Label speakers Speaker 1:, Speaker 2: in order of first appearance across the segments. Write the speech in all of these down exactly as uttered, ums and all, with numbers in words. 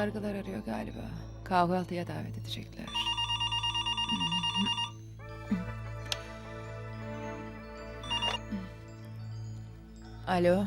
Speaker 1: kargılar arıyor galiba. Kahvaltıya davet edecekler. Alo.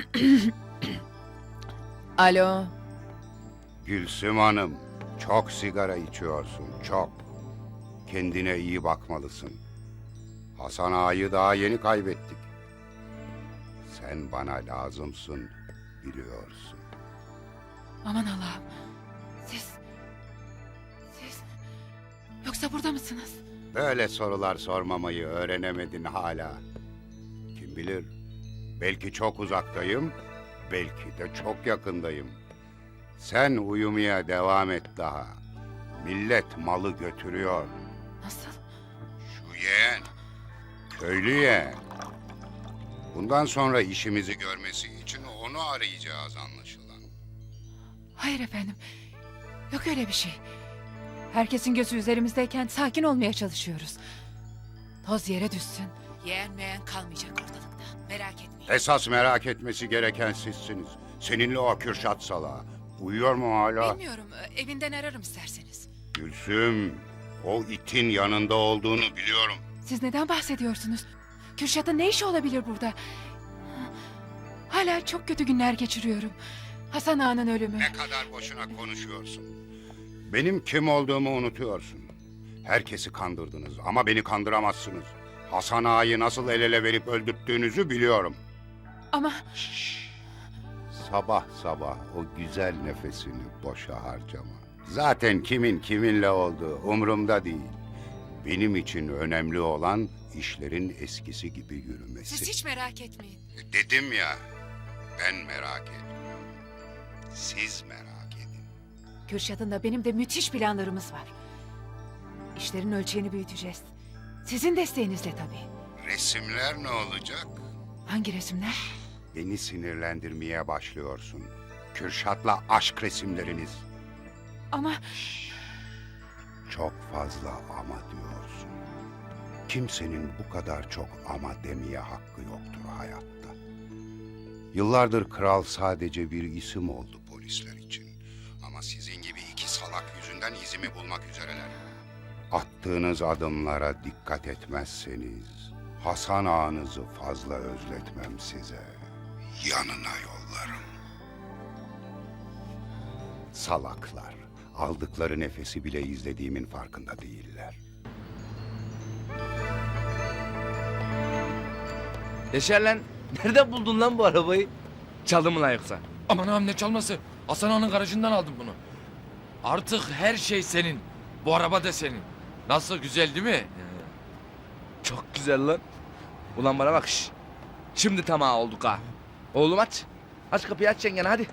Speaker 1: Alo.
Speaker 2: Gülsüm Hanım, çok sigara içiyorsun, çok. Kendine iyi bakmalısın. Hasan Ağa'yı daha yeni kaybettik. Sen bana lazımsın, biliyorsun.
Speaker 1: Aman Allah'ım. Siz... Siz... Yoksa burada mısınız?
Speaker 2: Böyle sorular sormamayı öğrenemedin hala. Kim bilir, belki çok uzaktayım, belki de çok yakındayım. Sen uyumaya devam et daha. Millet malı götürüyor.
Speaker 1: Nasıl?
Speaker 2: Şu yeğen, köylü yeğen. Bundan sonra işimizi görmesi için onu arayacağız anlaşılan.
Speaker 1: Hayır efendim. Yok öyle bir şey. Herkesin gözü üzerimizdeyken sakin olmaya çalışıyoruz. Toz yere düşsün. Yeğen meğen kalmayacak ortalıkta. Merak etmeyin.
Speaker 2: Esas merak etmesi gereken sizsiniz. Seninle o Kürşat salağı. Uyuyor mu hala?
Speaker 1: Bilmiyorum. Evinden ararım isterseniz.
Speaker 2: Gülsüm, o itin yanında olduğunu biliyorum.
Speaker 1: Siz neden bahsediyorsunuz? Kürşat'ın ne işi olabilir burada? Hala çok kötü günler geçiriyorum. Hasan Ağa'nın ölümü.
Speaker 2: Ne kadar boşuna konuşuyorsun. Benim kim olduğumu unutuyorsun. Herkesi kandırdınız ama beni kandıramazsınız. Hasan Ağa'yı nasıl el ele verip öldürttüğünüzü biliyorum.
Speaker 1: Ama
Speaker 2: Şşş. Sabah sabah o güzel nefesini boşa harcama. Zaten kimin kiminle olduğu umurumda değil. Benim için önemli olan işlerin eskisi gibi yürümesi.
Speaker 1: siz hiç merak etmeyin.
Speaker 2: Dedim ya, ben merak etmiyorum. Siz merak edin.
Speaker 1: Kürşat'ın da benim de müthiş planlarımız var. İşlerin ölçeğini büyüteceğiz. Sizin desteğinizle tabii.
Speaker 2: Resimler ne olacak?
Speaker 1: Hangi resimler?
Speaker 2: Beni sinirlendirmeye başlıyorsun. Kürşat'la aşk resimleriniz.
Speaker 1: Ama
Speaker 2: Çok fazla ama diyorsun. Kimsenin bu kadar çok ama demeye hakkı yoktur hayatta. Yıllardır kral sadece bir isim oldu polisler için. Ama sizin gibi iki salak yüzünden izimi bulmak üzereler. Attığınız adımlara dikkat etmezseniz Hasan Ağa'nızı fazla özletmem size. Yanına yollarım. Salaklar. Aldıkları nefesi bile izlediğimin farkında değiller.
Speaker 3: Yaşar lan, nereden buldun lan bu arabayı? Çaldın mı lan yoksa?
Speaker 4: Aman ağam ne çalması? Hasan Ağa'nın garajından aldım bunu. Artık her şey senin. Bu araba da senin. Nasıl, güzel değil mi?
Speaker 3: Çok güzel lan. Ulan bana bak şş. Şimdi tamam olduk ha. Oğlum aç. Aç kapıyı, aç yengene hadi.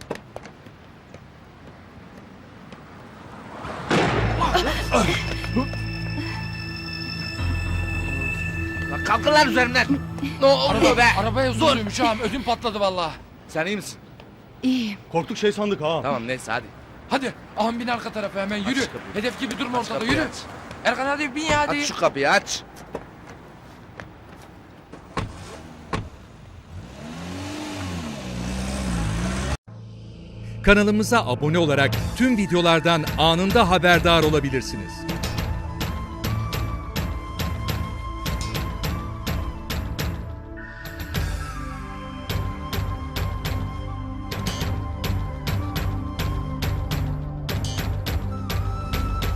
Speaker 3: Lan kalkın lan üzerimden. Ne oluyor
Speaker 4: Araba,
Speaker 3: be?
Speaker 4: arabaya zulüymüş ağam. Ödüm patladı vallahi.
Speaker 3: Sen iyi misin?
Speaker 1: iyiyim.
Speaker 5: Korktuk şey sandık ha.
Speaker 3: Tamam neyse hadi.
Speaker 4: Hadi ağam bin arka tarafa hemen yürü.
Speaker 3: Aç kapıyı.
Speaker 4: Hedef gibi durma
Speaker 3: Aç
Speaker 4: ortada,
Speaker 3: kapıyı,
Speaker 4: yürü.
Speaker 3: aç.
Speaker 4: Erkan hadi bin ya hadi.
Speaker 3: Aç şu kapıyı aç.
Speaker 6: Kanalımıza abone olarak tüm videolardan anında haberdar olabilirsiniz.